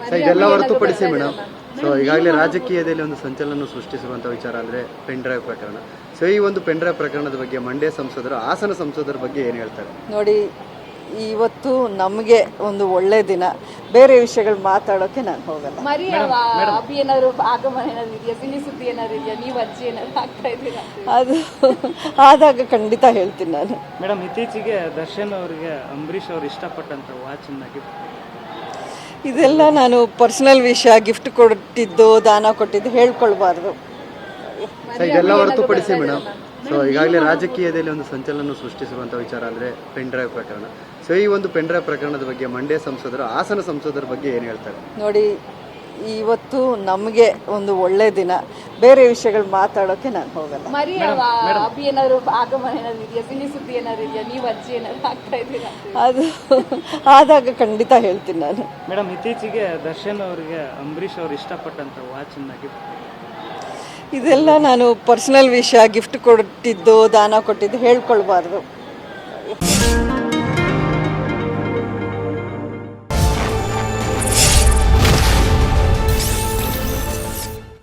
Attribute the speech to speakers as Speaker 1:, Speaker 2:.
Speaker 1: So ಇದೆಲ್ಲ ಹೊರತುಪಡಿಸಿ madam, so ಈಗಾಗಲೇ ರಾಜಕೀಯದಲ್ಲಿ ಒಂದು ಸಂಚಲನ ಸೃಷ್ಟಿಸಿರುವಂಥ ವಿಚಾರ ಅಂದರೆ ಪೆನ್ ಡ್ರೈವ್ ಪ್ರಕರಣ. ಸೊ ಈ ಒಂದು ಪೆನ್ ಡ್ರೈವ್ ಪ್ರಕರಣದ ಬಗ್ಗೆ ಮಂಡ್ಯ ಸಂಸದರು, ಹಾಸನ ಸಂಸದರ ಬಗ್ಗೆ ಏನು ಹೇಳ್ತಾರೆ?
Speaker 2: ನೋಡಿ, ಇವತ್ತು ನಮಗೆ ಒಂದು ಒಳ್ಳೆ ದಿನ. ಬೇರೆ ವಿಷಯಗಳು ಮಾತಾಡೋಕೆ ನಾನು ಹೋಗಲ್ಲ.
Speaker 3: ಅಭಿ ಏನಾದ್ರು ಆಗಮನ ಏನಾದ್ರು ಇದೆಯಾ, ಸಿಹಿ ಸುದ್ದಿ ಏನಾದ್ರು ಇದೆಯಾ, ನೀವು ಅಜ್ಜಿ ಏನಾದ್ರು ಆಗ್ತಾ ಇದ್ದೀರಾ?
Speaker 2: ಅದು ಆದಾಗ ಖಂಡಿತ ಹೇಳ್ತೀನಿ ನಾನು.
Speaker 4: ಮೇಡಮ್, ಇತ್ತೀಚೆಗೆ ದರ್ಶನ್ ಅವರಿಗೆ ಅಂಬರೀಷ್ ಅವರು ಇಷ್ಟಪಟ್ಟಂತ ವಾಚನ್ನ ಗಿಫ್ಟ್,
Speaker 2: ಇದೆಲ್ಲ ನಾನು ಪರ್ಸನಲ್ ವಿಷಯ. ಗಿಫ್ಟ್ ಕೊಟ್ಟಿದ್ದು, ದಾನ ಕೊಟ್ಟಿದ್ದು ಹೇಳ್ಕೊಳ್ಬಾರ್ದು.
Speaker 1: ಸೊ ಇದೆಲ್ಲ ಹೊರತುಪಡಿಸಿ ಮೇಡಮ್, ಸೊ ಈಗಾಗಲೇ ರಾಜಕೀಯದಲ್ಲಿ ಒಂದು ಸಂಚಲನ ಸೃಷ್ಟಿಸಿರುವಂಥ ವಿಚಾರ ಅಂದರೆ ಪೆನ್ ಡ್ರೈವ್ ಪ್ರಕರಣ. ಸೊ ಈ ಒಂದು ಪೆನ್ ಡ್ರೈವ್ ಪ್ರಕರಣದ ಬಗ್ಗೆ ಮಂಡ್ಯ ಸಂಸದರು, ಹಾಸನ ಸಂಸದರ ಬಗ್ಗೆ ಏನು ಹೇಳ್ತಾರೆ?
Speaker 2: ನೋಡಿ, ಇವತ್ತು ನಮಗೆ ಒಂದು ಒಳ್ಳೆ ದಿನ. ಬೇರೆ ವಿಷಯಗಳು ಮಾತಾಡೋಕೆ ನಾನು ಹೋಗಲ್ಲ.
Speaker 3: ಅಭಿ ಏನಾದ್ರು ಆಗಮನ ಏನಾದ್ರು ಇದೆಯಾ, ಸಿಹಿ ಸುದ್ದಿ ಏನಾದ್ರು ಇದೆಯಾ, ನೀವು ಅಜ್ಜಿ ಏನಾದ್ರು ಆಗ್ತಾ ಇದ್ದೀರಾ?
Speaker 2: ಅದು ಆದಾಗ ಖಂಡಿತ ಹೇಳ್ತೀನಿ ನಾನು.
Speaker 4: ಮೇಡಮ್, ಇತ್ತೀಚೆಗೆ ದರ್ಶನ್ ಅವರಿಗೆ ಅಂಬರೀಷ್ ಅವರು ಇಷ್ಟಪಟ್ಟಂತ ವಾಚನ್ನ ಗಿಫ್ಟ್,
Speaker 2: ಇದೆಲ್ಲ ನಾನು ಪರ್ಸನಲ್ ವಿಷಯ. ಗಿಫ್ಟ್ ಕೊಟ್ಟಿದ್ದು, ದಾನ ಕೊಟ್ಟಿದ್ದು ಹೇಳ್ಕೊಳ್ಬಾರ್ದು.